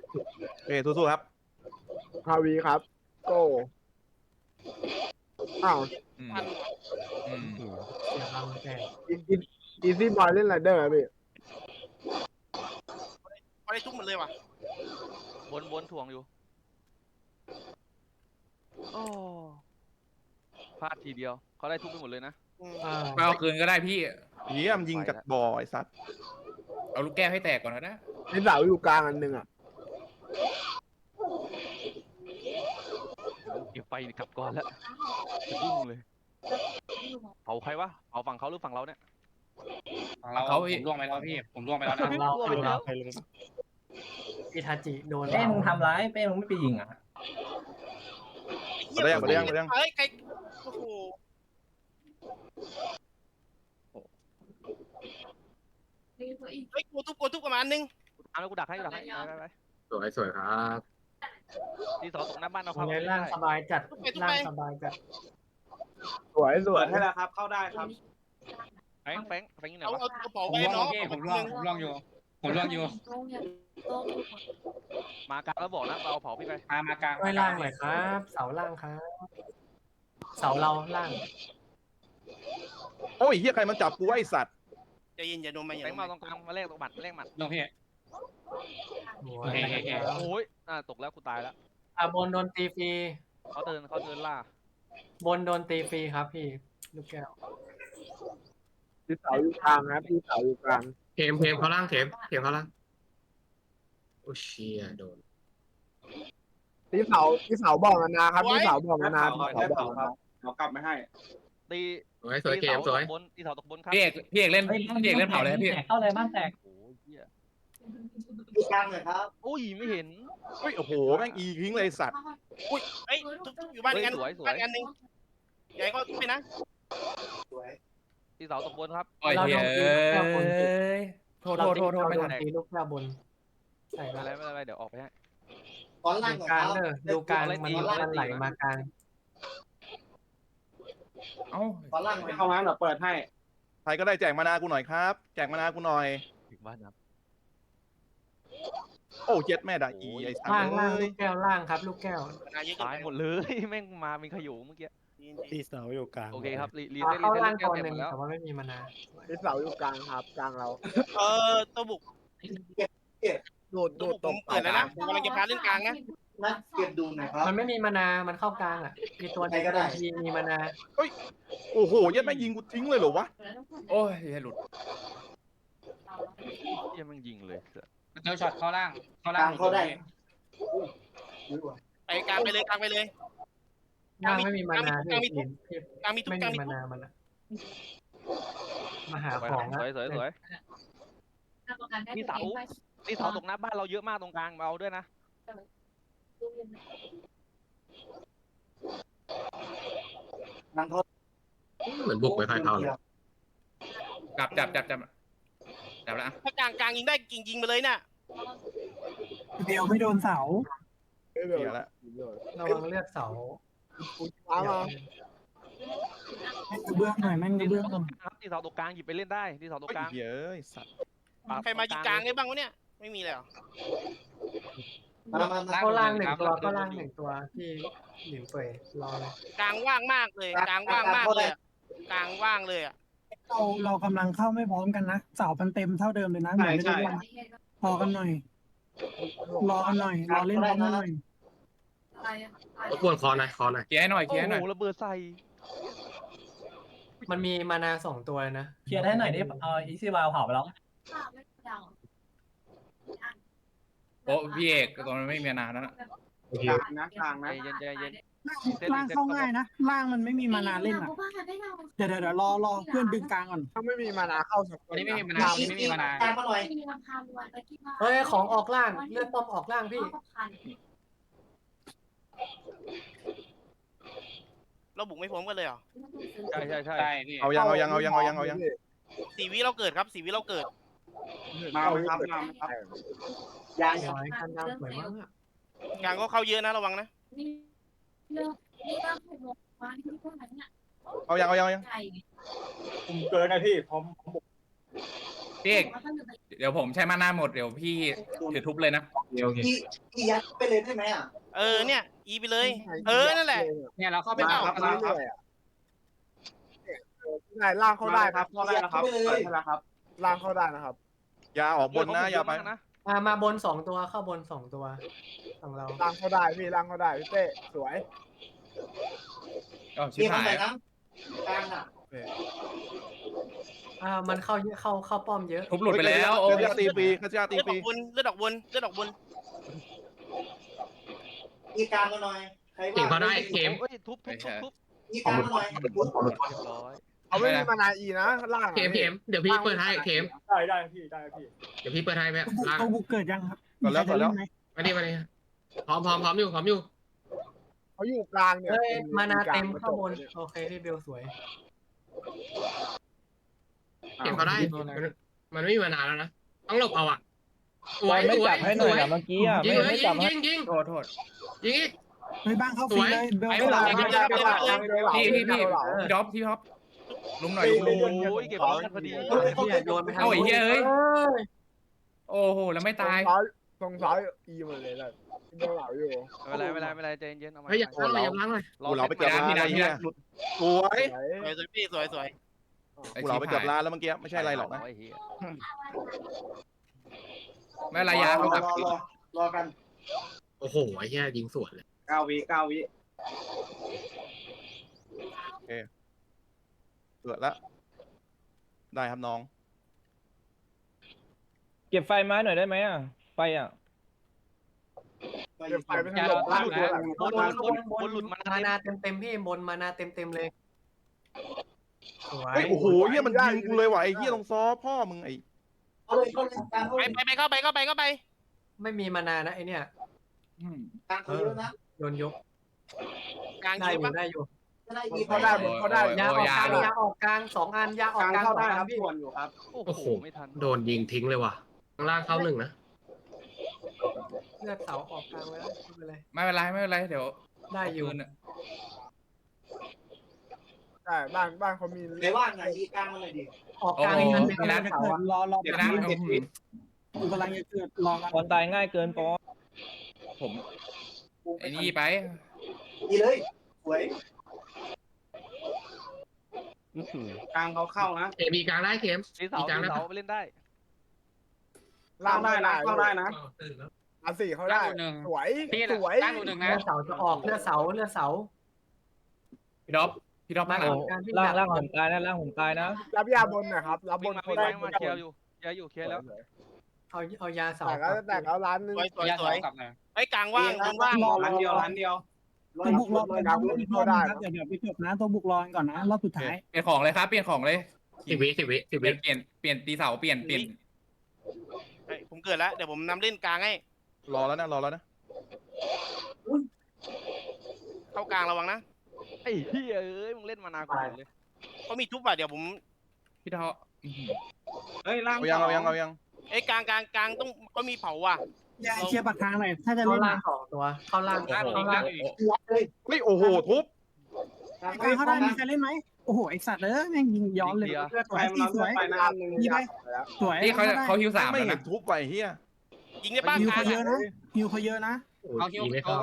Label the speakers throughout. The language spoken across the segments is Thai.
Speaker 1: โอเคสู้ๆครับ
Speaker 2: ฮาวีครับโก้อ้าว
Speaker 3: อืม
Speaker 4: พันว่ะ
Speaker 3: อืม
Speaker 5: เสียบังแตก
Speaker 2: อีซี่บอยเล่นไรเดอร์พี่
Speaker 4: เขาได้ทุกหมดเลยว่ะ
Speaker 6: วนถ่วงอยู่โอ้พลาดทีเดียวเขาได้ทุบไปหมดเลยนะ
Speaker 3: ไม่เอาคืนก็ได้พี่
Speaker 1: เยี่ยมยิงจากบ่อไอ้สัตว์
Speaker 3: เอาลูกแก้วให้แตกก่อนก็ได้
Speaker 2: มีเสาอยู่กลางอันหนึ่งอ่ะ
Speaker 6: เดี๋ยวไปกลับก่อนแล้วจะยุ่งเลยเผาใครวะเผาฝั่งเขาหรือฝั่งเราเนี่ย
Speaker 3: เขา
Speaker 7: ผมล่วงไปแล้วพี่ผมล่วงไปแล้วนะ
Speaker 5: ฝั่งเราฝั่งเราอิทาจิโดนเป้มึงทำร้ายเป้มึงไม่ไปยิงอ่ะ
Speaker 4: เหี้ย
Speaker 1: มาได้ยัง
Speaker 4: เฮ้ยใครโอ้โหเฮ้ยกูทุบประมาณนึง
Speaker 6: ตามแล้วกูดักให้ไป
Speaker 7: สวยครับ
Speaker 6: ที่สอตกหน้าบ้านเอา
Speaker 5: ตร
Speaker 6: เข้าง
Speaker 5: นี้ร่างสบายจัดร่างสบายจัด
Speaker 2: สวย
Speaker 8: เปิดให้แล้วครับ เข้าได้ครับ
Speaker 6: แฟงอยู่ไหน
Speaker 4: เอา
Speaker 6: วะ
Speaker 4: กระเป๋า
Speaker 7: ผม
Speaker 4: ไป
Speaker 7: ล่วง
Speaker 4: น้อง
Speaker 7: พี่ผมล่วงอยู่ผมล่วงอยู่
Speaker 6: มากลางแล้วบอกนะเอาเผาพี่ไป
Speaker 7: มากลาง
Speaker 5: ช่วยล่างหน่อยครับ เสาล่างครับเสาเราล่าง
Speaker 1: โอ้ยเฮียใครมันจับกูไอ้สัตว์
Speaker 4: ใจเย็นอย่าโดนมาอย่า
Speaker 6: แฟ
Speaker 4: โด
Speaker 6: ง
Speaker 4: น
Speaker 6: มา
Speaker 4: มา
Speaker 6: ตรงกลางมาแลกตรงบัตรแลกหมัด
Speaker 7: ลงพี่
Speaker 6: โอ้ยตกแล้วกูตายแล้ว
Speaker 5: บนโดนตีฟรี
Speaker 6: เขาเดินล่า
Speaker 5: บนโดนตีฟรีครับพี่ลูกแก้ว
Speaker 2: มีเสาอยู่กลางนะมีเสาอยู่กลาง
Speaker 7: เทมเขาล่างเทมเขาล่างโอ้เชียโดน
Speaker 2: มีเสาบอกกันนะครับมีเสาบอกกันนะ
Speaker 8: ได้เผาครับเอากลับไม่ให้
Speaker 6: ตี
Speaker 7: สวยเกมสวย
Speaker 6: ตีเสาตกบนครับ
Speaker 3: พี่เอกเล่นเผาเลยพี่
Speaker 5: เข้าเลยบ้านแตก
Speaker 6: โอ้ยเหี้ย
Speaker 8: ดูกลางเลยครับ
Speaker 6: อุ้ยไม่เห็น
Speaker 1: เฮ้ยโอ้โหแม่งอีทิ้งเลยไอ้สัตว์
Speaker 4: เฮ้ยทุบอยู่บ้านกัน
Speaker 6: สวย
Speaker 4: บ้านกันนึงใหญ่ก็ทุบไปนะ
Speaker 8: สวย
Speaker 6: ตีเสาตกบนครับ
Speaker 3: โอ้ยเฮ้ยโทษไม่ทัน
Speaker 5: ตีลูกแก้วบนใส่
Speaker 6: ไม่
Speaker 5: มา
Speaker 6: เป็นไรเดี๋ยวออกไปให้
Speaker 8: ตอนล่าง
Speaker 5: ดูกลางเด้อดูกลางมันไหลมากลาง
Speaker 3: เอ้า
Speaker 8: ตอนล่างไม่เข้ามาเดี๋ยวเปิดให้
Speaker 1: ใครก็ได้แจกมานากูหน่อยครับแจกมานากูหน่อย
Speaker 6: ถึงบ้านครับ
Speaker 1: โอ้เจ็ดแม่ด่าอีไอ้สัตว์
Speaker 5: ล่าง
Speaker 1: เอ้
Speaker 5: ลู
Speaker 1: ย
Speaker 5: กแก้วล่างครับ ลูกแก้ว
Speaker 4: นาเยอะ
Speaker 6: ตายหมดเลย แม่งมาเป็นขยุงเมื่อกี้
Speaker 9: ที่เสาอยู่กลาง
Speaker 6: โอเคครับรี
Speaker 5: เข้าล่าง
Speaker 6: แก้
Speaker 5: ตัว ว
Speaker 6: เต็ม
Speaker 5: หนึ่
Speaker 6: ห
Speaker 5: ง
Speaker 6: มดแล้ว
Speaker 5: แต่ว่าไม่มีมานา
Speaker 2: มีเสาอยู่กลางครับกลางเรา
Speaker 4: ตัวบุก
Speaker 2: โดด
Speaker 4: ตัวบุก
Speaker 2: ต
Speaker 4: ผ
Speaker 2: รง
Speaker 4: มเปิดแล้วนะผมกำลังจะพาเล่นกลางนะ
Speaker 8: นะเก็บดูหน่อยครับ
Speaker 5: มันไม่มีมานา มันเข้ากลางอ่ะมีตัว
Speaker 8: ใครก็ได้
Speaker 5: มีมานา
Speaker 1: โอ้โหเย็ดแม่งยิงกูทิ้งเลยเหรอวะ
Speaker 3: โอ้ยหลุด
Speaker 6: เหี้ยังแม่งยิงเลย
Speaker 7: เจอช็อตเข้าล่าง
Speaker 8: เข้าได้
Speaker 4: ไปกลางไปเลยกลางไปเลย
Speaker 5: ล่างไม่มีมานาพี่
Speaker 4: กลางมีทุบ
Speaker 5: ไม่
Speaker 4: กลาง
Speaker 5: มี
Speaker 4: มี
Speaker 5: มา
Speaker 4: ทุบ
Speaker 5: นามันอะมาหาของ
Speaker 6: สวยตีเสาตกหน้าบ้านเราเยอะมากตรงกลางเอาด้วยนะ
Speaker 8: นั่งเขา
Speaker 7: เหมือนบุกไปใครเข้าเลย
Speaker 3: จับแล้ว
Speaker 4: ถ้ากลางยิงได้ยิงไปเลยน่ะ
Speaker 9: เดียวไม่โดนเสา
Speaker 1: เสียละ
Speaker 5: ระวังเลือดเสา
Speaker 2: ฟ้ามา
Speaker 9: แม่งกระเบื้องหน่อยแม่งกระเบื้องหน่อย
Speaker 6: ครับตีเสาตกกลางหยิบไปเล่นได้ตีเสาตก
Speaker 1: เฮ้ย
Speaker 6: กลาง
Speaker 1: เฮ้ยสัตว์
Speaker 4: ใครมายิงกลางได้บ้างวะเนี่ยไม่มีเลยเหรอ
Speaker 8: มา
Speaker 5: เข้าล่างหนึ่งตัวเข้าล่างหนึ่งตัวที่หลินเป่ยรอเลย
Speaker 4: กลางว่างมากเลยกลางว่างมากเลยกลางว่างเลยอ่ะ
Speaker 9: เรากำลังเข้าไม่พร้อมกันนะเสามันเต็มเท่าเดิมเลยนะเหมือนไม่ได้เล่นพอกันหน่อยรอกันหน่อยรอเล่นพร้อมกันหน่อย
Speaker 7: รบกวนคอหน่อย
Speaker 3: เคลียร์ให้หน่อย
Speaker 6: โอ้โหระเบิดใส่
Speaker 5: มันมีมานา2ตัวเลยนะ
Speaker 9: เคลียร์ได้หน่อยดิอีซี่วาลเผาไปแล้ว
Speaker 3: โอ้พี่เอกตอนนั้นไม่มีนานแล้วนะ
Speaker 8: กลางนะกลาง
Speaker 6: ใจ
Speaker 8: นะ
Speaker 6: เย็นใจเย็น
Speaker 9: ล่างเข้าง่ายนะล่างมันไม่มีมานาเล่นอ่ะเดี๋ยวรอเพื่อนดึงกลางก่อน
Speaker 2: ถ้าไม่มีมานาเข้าสัก
Speaker 7: วันนี้ไม่มีมานานวันนี้ไม่มีมานาน
Speaker 8: กลางมาหน่อย
Speaker 5: เฮ้ยของออกล่างเลือดป้อมออกล่างพี่
Speaker 4: เราบุกไม่พร้อมกันเลยเหรอ
Speaker 6: ใช่
Speaker 7: ใช่พี่
Speaker 1: เอายัง
Speaker 4: 4 วิเราเกิดครับ4 วิเราเกิด
Speaker 8: มาไหมครับมาไหมครับยาง
Speaker 5: สวยกันดาวสวยมาก
Speaker 4: กลางก็เข้าเยอะนะระวังนะ
Speaker 1: เอายัง
Speaker 8: ผมเกินนะพี่ผม
Speaker 3: พี่เอกเดี๋ยวผมใช้มาหน้าหมดเดี๋ยวพี่ถือทุบเลยนะ
Speaker 7: โอเค
Speaker 10: อียัดไปเลยได้ไหมอ่ะ
Speaker 4: เนี่ยอีไปเลย นั่นแหละ
Speaker 8: เนี่ยเราเข้าไป
Speaker 2: ล่าง
Speaker 8: เอา
Speaker 2: เข้าเรื่อยๆอ่ะได้ล่างเข้าได้ครับ
Speaker 8: เข้าได้แล้วครับเปิดให้แล้วครับ
Speaker 2: ล่างเข้าได้นะครับ
Speaker 1: ยาออกบนนะยาไป
Speaker 6: นะ
Speaker 5: มาบน2ตัวเข้าบน2ตัวของเรา
Speaker 2: ล่างเข้าได้พี่ล่างเข้าได้พี่เต้สวย
Speaker 3: ก็ชิบ
Speaker 10: มีค
Speaker 3: หาน ย
Speaker 10: ใส่น้ำกลางอ่ะ
Speaker 5: มันเข้าเยอะเข้าป้อมเยอะ
Speaker 3: ทุบหลุดไปแล้วโอ้
Speaker 1: คาชาตีปีคาชาตี
Speaker 4: เลือด
Speaker 1: ปี
Speaker 4: ดอกบุญเลือดดอกบุญเลือดดอกบุญ
Speaker 10: อีกลางมาหน่อยใคร
Speaker 7: เข็ม
Speaker 10: ว่า
Speaker 7: เขาได้เข็ม
Speaker 6: เอ้ยทุบทุบ
Speaker 10: อีกลางมาหน่อย
Speaker 6: เรียบร้อย
Speaker 2: เอาไม่มีมานาอีนะล่าง
Speaker 7: เข็มเดี๋ยวพี่เปิดให้เข็ม
Speaker 8: ได้พี่ได้พี่
Speaker 7: เดี๋ยวพี่เปิดให้แม่ล่าง
Speaker 9: ตัวบุกเกิดยังครับ
Speaker 1: ก่อนแล้วก่อนแล้ว
Speaker 9: มีใครจะเล่นไหม
Speaker 7: มาดิพร้อมอยู่
Speaker 2: เขาอยู่กลางเนี่ย
Speaker 5: มานาเต็มเข้าบนโอเคพี่เบลสวย
Speaker 7: เข็มเขาได้มันไม่มีมานานแล้วนะต้องหลบเอาอ่ะสวย
Speaker 11: ไม่
Speaker 7: สว
Speaker 11: จั
Speaker 7: ย
Speaker 11: บให้หน่อยนะเมื่อกี้อ่ะ
Speaker 7: ยิงเลย
Speaker 11: ไม่จับให้
Speaker 7: ยิง
Speaker 3: โทษโทษ
Speaker 7: ยิงอีก
Speaker 9: เฮ้ยบ้างเข้าฟรีเลยเบล
Speaker 4: ไอ้
Speaker 9: ไม่
Speaker 4: ห
Speaker 9: ห
Speaker 4: ลั
Speaker 9: ลั
Speaker 4: ง
Speaker 9: บ
Speaker 3: พี่ท็อปลุมหน่อยลุม
Speaker 6: โอ้ยเก็บร้อยพอดี
Speaker 5: โดนไป
Speaker 3: เอาไอ้เหี้ยเอ้ยโอ้โหแล้วไม่ตาย
Speaker 2: ตรงซ้ายอีหมดเลยเลยโดนเหลาอยู่
Speaker 6: ไม่เป็นไรใจเย็นเอามา
Speaker 7: เฮ้ยอย่าล้างเลย
Speaker 1: กูเหลาไปเกือบล้าน
Speaker 3: พี่
Speaker 1: ไอ้
Speaker 3: นะพี่
Speaker 1: เหี้ย
Speaker 3: นะหลุด
Speaker 1: สวย
Speaker 4: สวยพี่สวย
Speaker 1: กูเหลาไปเกือบล้านแล้วเมื่อกี้ไม่ใช่อะไรหรอกนะ
Speaker 3: ไม่ระยะเขาแบบ
Speaker 10: รอกัน
Speaker 7: โอ้โหไอ้เหี้ยยิงสวนเลย
Speaker 8: 9 วิ 9 วิ
Speaker 1: เกิดแล้วได้ครับน้อง
Speaker 11: เก็บไฟไม้หน่อยได้ไหมอ่ะไฟอ่ะ
Speaker 2: เดี๋ยวไฟไม่ทันหลบล่างตัวหลัง
Speaker 6: บนหลุดมา
Speaker 5: มานาเต็มพี่บนมานาเต็มเลยสวย
Speaker 1: เฮ้ยโอ้โหเฮียมันยิงกูเลยว่ะไอ้เฮียลงซอพ่อมึงไอ้
Speaker 10: เอาเลยเข้าเลยกลางเข้า
Speaker 4: ไป
Speaker 10: เลย
Speaker 4: ไปเข้าไป
Speaker 5: ไม่มีมานานะไอเนี่ย
Speaker 10: กลางเขาเยอะนะ
Speaker 5: โดนยก
Speaker 4: กลาง
Speaker 5: ได้
Speaker 4: ยิ
Speaker 5: อง ยู่
Speaker 4: ปะ
Speaker 5: ได้อยู่
Speaker 10: จะได้อีก
Speaker 2: เขาได้เขาได้
Speaker 5: ยาออกกลางยาออกกลาง2 อันยาออก
Speaker 8: กลาง
Speaker 5: กลาง
Speaker 8: เข้าได้
Speaker 5: 2 อั
Speaker 8: ครับ
Speaker 5: นพี่
Speaker 8: ส่วนอยู่ครับ
Speaker 6: โอ้โหไม่ทัน
Speaker 7: โดนยิงทิ้งเลยว่ะข้างล่างเข้า1นะ
Speaker 5: เลือดเสาออกกลางแล้วไม่เป็นไร
Speaker 3: ไม่เป็นไรเดี๋ยว
Speaker 5: ได้อยู่
Speaker 3: ปืนอะ
Speaker 2: ได้บ้านเขามี
Speaker 10: ไหนว่างไหนอีกลางมาหน่อยดิ
Speaker 5: ออกกลางอีกอันหนึง
Speaker 9: กำลังจะเกิดรอ
Speaker 3: เดี๋ยวนะ
Speaker 9: กูกำลังจะเกิดรอกัน
Speaker 11: คนตายง่ายเกินปอ
Speaker 3: ผมไอ้นี่ไป
Speaker 10: อีเลยสวย
Speaker 8: กลางเขาเข้านะ
Speaker 7: เข็มมีกลางได้เข็ม
Speaker 6: ตีเสาไปเล่นได้
Speaker 2: ล่า
Speaker 8: เข้าง ได้นะเข้าได้นะ
Speaker 2: อันสี่เขาได้สวยสวย
Speaker 8: ตั้งอยู่หนึ่ง
Speaker 5: เลื
Speaker 8: นะ
Speaker 5: อดเสาจะออกเลือดเสา
Speaker 3: พี่ท็อปข้างหลัง
Speaker 11: ล่างผมตายนะล่างผมตายนะ
Speaker 2: รับยาบนหน่อยครับรับบ
Speaker 6: วิ่
Speaker 2: น
Speaker 6: งมา
Speaker 2: เขา
Speaker 6: วิ่ง
Speaker 2: ได้
Speaker 6: มาเคลียร์อยู่เคลียร์แล้ว
Speaker 5: เอายาเสา
Speaker 2: แต่แล้วร้านนึง
Speaker 4: สวย
Speaker 8: กลับมา
Speaker 4: ไอ้กลางว่างบนว่าง
Speaker 8: ร้านเดียว
Speaker 9: ตัวบุกรอกันนะเดี๋ยวไปจบนะตัวบุกรอก่อนนะรอบสุดท้าย
Speaker 3: เปลี่ยนของเลยครับเปลี่ยนของเลย
Speaker 7: 10 วิ
Speaker 3: เปลี่ยนตีเสาเปลี่ยน
Speaker 4: ผมเกิดแล้วเดี๋ยวผมนำเล่นกลางให้
Speaker 1: รอแล้วนะ
Speaker 4: เข้ากลางระวังนะ
Speaker 6: ไอ้เหี้ยเอ้ยมึงเล่นมานานกว่าเลย
Speaker 4: เขามีทุบอ่ะเดี๋ยวผม
Speaker 3: พี่ท็อป
Speaker 8: เฮ้ยล่าง
Speaker 1: เอายัง
Speaker 4: ไอ้กลางต้องก็มีเผาว่ะ
Speaker 9: ยายเชียร์ปากทางหน่อยถ้าจะ
Speaker 5: เข้า
Speaker 9: เล่น
Speaker 5: ล่าง2 ตัวเข้าล่าง
Speaker 1: เฮ้ยโอ้โหทุบ
Speaker 9: กลางเขาได้มีใครเล่นไหมโอ้โหไอสัตว์แม่งยิงย้อนเลย
Speaker 8: เลือด
Speaker 9: ส
Speaker 8: ไป
Speaker 9: วย
Speaker 8: มัน
Speaker 9: สวย
Speaker 8: ไปนะนึง
Speaker 9: ยิงไปสวย
Speaker 3: นี่เขาฮิว3
Speaker 1: ไม่
Speaker 3: แล้ว
Speaker 1: เห็
Speaker 3: นะ
Speaker 1: นทุบไปเฮีย
Speaker 4: ยิงได้ป้าก
Speaker 9: ฮิว
Speaker 4: ลาง
Speaker 9: เขาเยอะนะฮิวเขาเยอะนะ
Speaker 7: เอาคิวไม่เข้า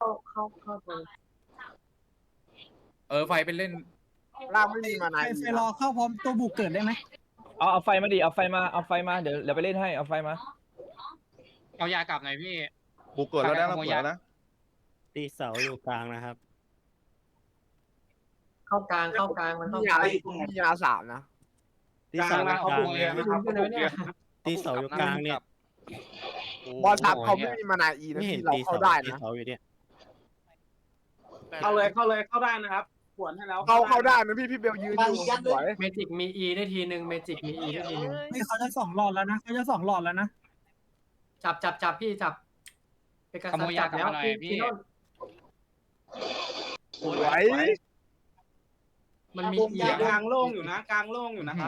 Speaker 5: เข้า
Speaker 3: ไฟเป็นเล่น
Speaker 2: ล่างไม่มีมานา
Speaker 9: ไฟรอเข้าพร้อมตัวบุกเกิดได้ไหม
Speaker 11: เอาไฟมาดิเอาไฟมาเดี๋ยวไปเล่นให้เอาไฟมา
Speaker 8: เอายากลับหน่อยพี่
Speaker 1: กูเกิดแล้วนะเกิดนะ
Speaker 11: ตีเสาอยู่กลางนะครับ
Speaker 5: เข้ากลางมันเข้าก
Speaker 2: ยา
Speaker 5: ลาง
Speaker 2: มียา3นะ
Speaker 8: กลางมาเขาบุกเลยนะครับ
Speaker 11: ตีเสาอยู่กลางเนี่ย
Speaker 2: บอลทับเขาไม่มีมานาอีนะที่เราเข้าได้นะ
Speaker 11: เสาอยู่เนี่ย
Speaker 8: เข้าเลยเข้าได้นะครับขวนให้แล้ว
Speaker 2: เข้าได้นะพี่เบลยืนอยู่สวย
Speaker 5: เมจิกมี E ได้ทีนึงเมจิกมี E ได้ทีนึง
Speaker 9: นี่เขาจะ2 หลอดแล้วนะเขาจะ2 หลอดแล้วนะ
Speaker 5: จับพี่จับเป็นการจับแล้วพี่โน่น
Speaker 2: สวย
Speaker 5: มันมี E
Speaker 8: กลางโล่งอยู่นะกลางโล่งอยู่นะครับ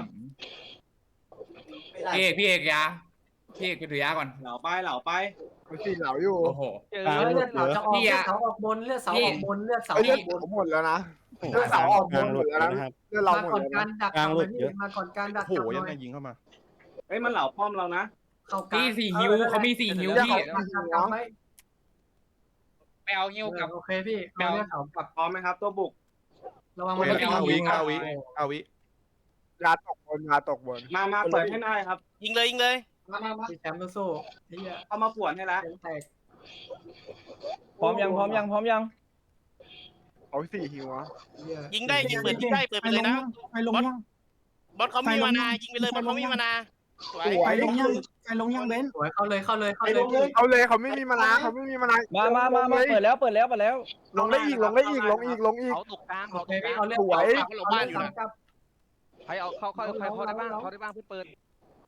Speaker 3: พี่เอกถือยาก่อน
Speaker 8: เหล่าไป
Speaker 2: มันสี่เหลาอยู่
Speaker 3: โอ้โห
Speaker 5: เลือดเสาจะออกเลือดเสาออกบนเลือดเสาออกบนเลือดเสา
Speaker 2: เลือดผมหมดแล้วนะเลือดเสาออกหมดแล้วนะเลือดเรา
Speaker 5: มา
Speaker 2: หมด
Speaker 5: ก่อน
Speaker 2: แล้ว
Speaker 5: การ
Speaker 2: นะ
Speaker 5: ดักมาก่อนการดัก
Speaker 1: โอ้โห
Speaker 5: ห
Speaker 1: ยัง
Speaker 5: น่
Speaker 1: ไง
Speaker 5: อย
Speaker 1: ยิงเข้ามา
Speaker 8: เอ้ยมันเหล่าป้อมเรานะ
Speaker 5: เข้ากลาง
Speaker 3: พี่สี่ฮิวเขามีสี่ฮิวพี่
Speaker 5: กลับไป
Speaker 4: ไปเอาฮิวกับ
Speaker 5: โอเคพี่เอาเลือดเขากลับ
Speaker 8: พร้อมไหมครับตัวบุก
Speaker 5: ระวัง
Speaker 1: เว
Speaker 5: มัน
Speaker 1: ลา9 วิ
Speaker 2: ยาตกบนยาตกบน
Speaker 8: มาเปิดให้ได้ครับ
Speaker 4: ยิงเลยยิงเลย
Speaker 5: พี่แชมป์สู้ๆนี่
Speaker 8: เข้ามาป่วนให้แล้ว
Speaker 5: แตก
Speaker 11: พร้อมยัง
Speaker 2: เอา4ฮิวอะ
Speaker 4: ยิงได้ยิงเปิดยิงได้เปิดไปเลยนะ
Speaker 9: ไปลงยัง
Speaker 4: บอสเขามีมานายิงไปเลยบอสเขามีมานาสวย
Speaker 9: ไปลงยังไปลงยังเบน
Speaker 5: สวยเข้าเลย
Speaker 2: เอาเลยเขาไม่มีมานาเขาไม่มีมานา
Speaker 11: มาเปิดแล้ว
Speaker 2: ลงได้อีก
Speaker 6: เขาตกกลาง
Speaker 5: โอ
Speaker 6: เขา
Speaker 5: เค
Speaker 6: ตกกลาง
Speaker 5: เอาเลือด
Speaker 4: เขาลงบ้านอยู่นะ
Speaker 6: ใครเอาเข้าได้บ้างเพื่อเปิด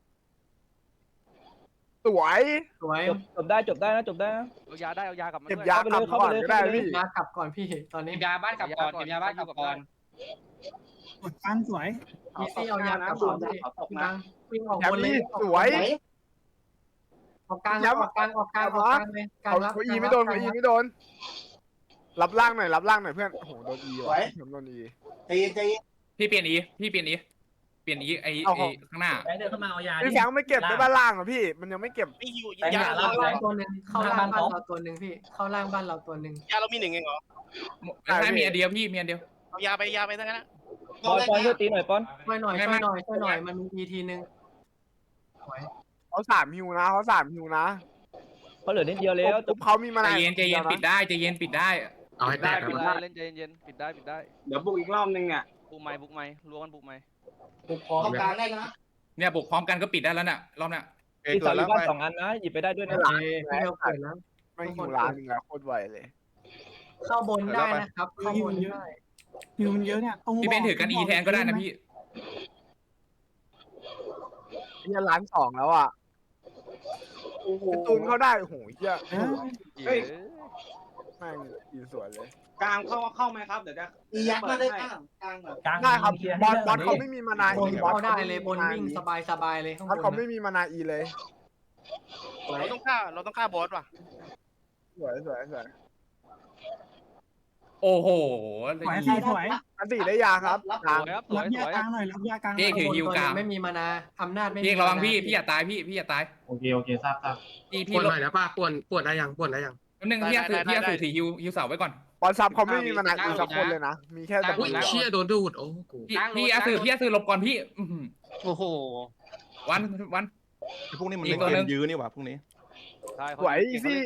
Speaker 2: สวย
Speaker 5: สวย
Speaker 11: จบได้นะ
Speaker 6: เอายากับมัน
Speaker 2: เก็บยากลับก่อนก็ได้พี่
Speaker 5: ยากลับก่อนพี่ตอนนี้
Speaker 4: ยาบ้านกลับก่อนยาบ้านกลับก่อน
Speaker 9: กดฟันสวย
Speaker 5: อีซี่เอายากลับก่อนพี่วิ่งออก
Speaker 2: แชม
Speaker 5: บน
Speaker 2: ป์
Speaker 5: เลย
Speaker 2: นี่สวย
Speaker 5: ออกกลางเลยกลางเลยกลาง
Speaker 2: เอา
Speaker 5: รับ
Speaker 2: เขาอีไม่โดนเขาอีไม่โดนรับล่างหน่อยโพื่อนโอ้โหโดนอีว่ะโดนอี
Speaker 10: ใจเย็นใจเย็น
Speaker 3: พี่เปลี่ยนอีไอ้ข้างหน้า
Speaker 5: เดินเข้ามาเอายา
Speaker 2: พี่แฟงไม่เก็บได้บ้านล่างเหรอพี่มันยังไม่เก็บ
Speaker 4: ไม่ฮิว
Speaker 5: เข้าย
Speaker 4: า
Speaker 5: ล่างตัวนึงเข้าล่างบ้านเราตัวนึงพี่เข้าล่างบ้านเราตัวนึง
Speaker 4: ยาเรามีหนึ่งเองเหรอ
Speaker 3: ให้มีอันเดียวพี่มีอันเดียว
Speaker 4: เอายาไปทั้งนั้นนะ
Speaker 11: ปอนช่วยตีหน่อยปอน
Speaker 5: ช่วยหน่อยมันมีทีทีนึง
Speaker 2: เขา3ฮิวนะเขา3ฮิวนะ
Speaker 11: เขาเหลือนิดเดียวแล้ว
Speaker 2: ปุ๊บเขามีมา
Speaker 3: ใจ
Speaker 2: นา
Speaker 3: เย็นปิดได้
Speaker 7: เอาให้แต
Speaker 6: ได้
Speaker 7: ก
Speaker 6: ปิดได้เล่นใจเย็นปิดได้
Speaker 8: เดี๋ยวบุกอีกรอบนึงเนี่ย
Speaker 6: บุกไม้รัวกันบุกไม้
Speaker 10: เข้ากลางได้นะ
Speaker 3: เนี่ยบุกพร้อมกันก็ปิดได้แล้วน่ะรอบน่ะ
Speaker 11: มีเสาอยู่บ้าน2 อันนะ หยิบไปได้ด้วยนะ
Speaker 5: พี่เดียวเกิดแล้ว
Speaker 2: ไม่ฮิวล้านนึงแล้วโคตรไวเลย
Speaker 5: เข้าบนได้นะครับเข้าบนได้
Speaker 9: ฮิวมันเยอะเนี่ย
Speaker 3: พี่เป็นถือกันอีแทนก็ได้นะพี่
Speaker 2: นี่ล้าน2แล้วอ่ะตูนเขาได้โอ้โหเหี้ย
Speaker 8: เฮ้ย
Speaker 2: แม่งอีสวยเลย
Speaker 8: กลางเข้าไหมครับเดี๋ยวจะ
Speaker 10: อียักษ์มาได้กลางกลางแบบ
Speaker 2: ได้ครับบอลเขาไม่มีมานา
Speaker 5: บ
Speaker 2: อี
Speaker 5: น
Speaker 2: บอล
Speaker 5: เข้าได้เลยบนวิ่งสบายเลยข้าง
Speaker 2: บอล
Speaker 5: บ
Speaker 2: เขา
Speaker 5: น
Speaker 2: ไม่มีมานาอีเลย
Speaker 4: เราต้องฆ่าบอสว่ะ
Speaker 2: สวย
Speaker 3: โอ้โห
Speaker 9: สวยสวย
Speaker 2: อันตีได้ยาครับ
Speaker 6: สวยครับส
Speaker 9: รั
Speaker 6: ว
Speaker 9: บ
Speaker 6: ย
Speaker 9: ยากลางหน่อยรับยากลาง
Speaker 3: พี่ถือฮิวกลาง
Speaker 5: ไม่มีมานาอำนาจไม่มี
Speaker 3: พี่ระวังพี่อย่าตายพี่อย่าตาย
Speaker 5: โอเคทราบ
Speaker 3: พี่
Speaker 7: ป่วนหน่อยนะป้าป่วนได้ยังป่วนได้ยัง
Speaker 3: นึงพี่ถือฮิวเสาไว้ก่อน
Speaker 2: บอลซับเขาไม่มีมานาอีสักคนเลยนะมีแค่แต่
Speaker 7: อุ้ยเชี่ยโดนดูดโอ้กู
Speaker 3: พี่อาสือหลบก่อนพี่
Speaker 4: โอ้โห
Speaker 3: วัน
Speaker 1: พวกนี้มันเล่นเกมยื้อนี่หว่าพวกนี้
Speaker 2: สวยอีซี่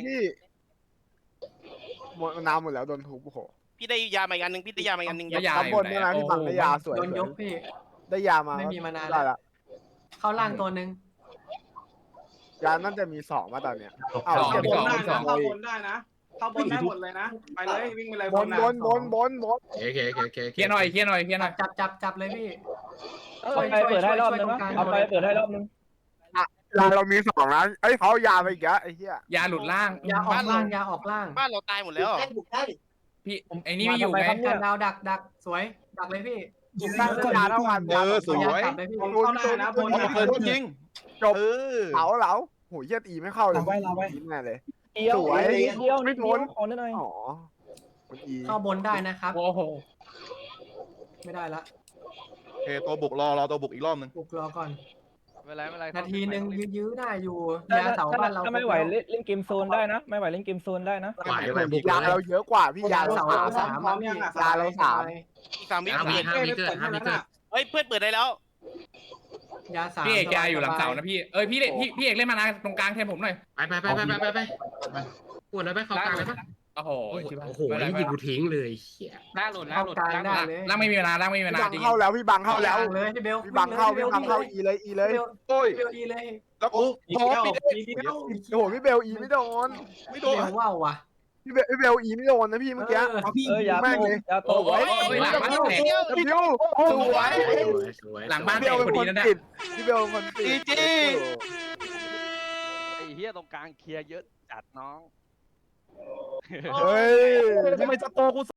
Speaker 2: หมดน้ำหมดแล้วโดนทุบโอ้โห
Speaker 4: พี่ได้ยามาอีกอันนึงพี่ได้ยามาอีกอันนึง
Speaker 3: ยา
Speaker 2: ข้างบนด้วยนะพี่บังได้ยาสวย
Speaker 5: โดนยกพี่
Speaker 2: ได้ยามา
Speaker 5: ไม่มีมานา
Speaker 2: ได้ละ
Speaker 5: เข้าล่างตัวนึง
Speaker 2: ยาน่าจะมี2มาตอนเนี้ย
Speaker 8: เข้าบนได้นะเข้าบนได้นะเข้าบนได้หมดเลยนะไปเลยวิ่งไปเลย
Speaker 2: บน
Speaker 7: โอเค
Speaker 3: เคลียร์หน่อย
Speaker 5: จับเลยพี่
Speaker 11: เอาไปเปิดให้รอบนึงนะเอาไปเปิดให้รอบนึง
Speaker 2: ยาเรามี2นะเอ้ยเขายาไปอีกแล้วไอ้เหี้ย
Speaker 3: ยาหลุดล่าง
Speaker 5: ยาออกล่าง
Speaker 4: บ้านเราตายหมดแล้ว
Speaker 10: ได้บุกได้
Speaker 3: พี่ไอ้นี่ไม่อยู่ไง
Speaker 5: การดาวดักสวยดักเลยพี่
Speaker 2: ตั้งยาเท่ากัน
Speaker 1: สวย
Speaker 5: จับเลยพี่
Speaker 8: เข้าได้นะบน
Speaker 1: เปิดยิงจบ
Speaker 2: เหลาโหเหี้ยตีไม่เข้าเลย
Speaker 9: เราไว้
Speaker 2: แน่เลย
Speaker 11: เดียว
Speaker 2: สวย
Speaker 11: นิดเดียวขอหน่อย
Speaker 2: อ๋อมันอี
Speaker 5: เข้าบนได้นะครับ
Speaker 3: โอ้โห
Speaker 5: ไม่ได้ละ
Speaker 1: โอเคตัวบุกรอตัวบุกอีกรอบนึง
Speaker 5: บุกรอก่อน
Speaker 6: ไม่ไร
Speaker 5: นาทีนึงยื้อได้อยู่ยาเสาบ้านเรา
Speaker 11: ถ้าไม่ไหวเล่นเกมโซนได้นะ ไม่ไหวเล่นเกมโซนได้นะ
Speaker 7: ไหวบุก
Speaker 2: ยาเราเยอะกว่าพี่ยาเรา
Speaker 5: เสา
Speaker 2: 3
Speaker 5: พร้อมยัง
Speaker 2: ยาเรา3
Speaker 4: อีก3 วิ
Speaker 7: 5 วิเกิด
Speaker 4: เฮ้ยเพื่อนเปิดได้แล้ว
Speaker 5: ยา3
Speaker 3: พี่เอกอยู่หลังเสานะพี่พี่เอกเล่นมานาตรงกลางแทนผมหน่อย
Speaker 7: ไปป่วนได้ไหมเข้ากลางได้ไหม
Speaker 3: โอ้โห
Speaker 7: โอ้โหยิงกูทิ้งเลยเฮีย
Speaker 4: ล่างหลุด
Speaker 5: เข้ากลางได้เลย
Speaker 3: ล่างไม่มีเวลา
Speaker 2: พี่บังเข้าแล้วพี่บังเข้าแล้ว
Speaker 5: เลยพี่เบล
Speaker 2: พี่บังเข้าอีเลย
Speaker 1: โอ้ย
Speaker 5: เบลอีเลย
Speaker 1: แล้วกูพอปิด
Speaker 2: โอ้โหพี่เบลอีไม่โดน
Speaker 1: ไม่
Speaker 5: เบ
Speaker 1: โดน
Speaker 5: ลว่าวว่ะ
Speaker 2: พี่เบลอีไม่โดนนะพี่เมื่อกี้
Speaker 11: อย่าโต
Speaker 3: โอ้ยหลังบ้านแตก
Speaker 2: พี่บิวสวย
Speaker 3: หลังบ้าน
Speaker 2: พี่
Speaker 3: แต
Speaker 2: เบ
Speaker 3: ก
Speaker 2: ล
Speaker 3: พ
Speaker 2: เป็น
Speaker 3: อ
Speaker 2: ค
Speaker 3: ดี
Speaker 2: น
Speaker 3: นะเนี่ย
Speaker 2: ติดพี่เบลเป็นคนติด
Speaker 6: ไอ้เหี้ยตรงกลางเคลียร์เยอะจัดน้อง
Speaker 1: เฮ้ยทำไมสโตกู